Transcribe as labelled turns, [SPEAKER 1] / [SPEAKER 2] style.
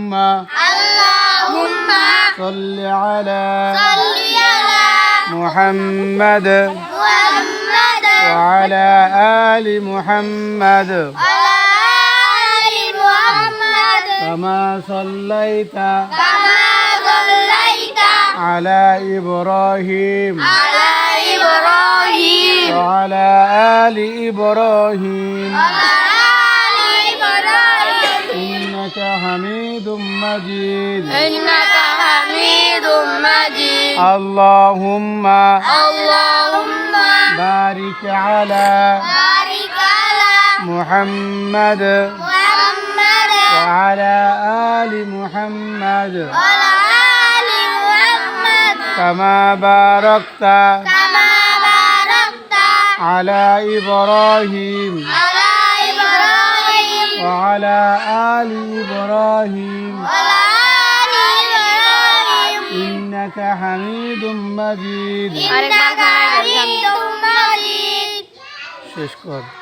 [SPEAKER 1] صل على محمد وعلى آل محمد كما صليت على إبراهيم وعلى آل إبراهيم إنك حميد مجيد اللهم بارك على محمد وعلى آل محمد كما باركت على إبراهيم وعلى آل إبراهيم إنك حميد مجيد শেষ কর।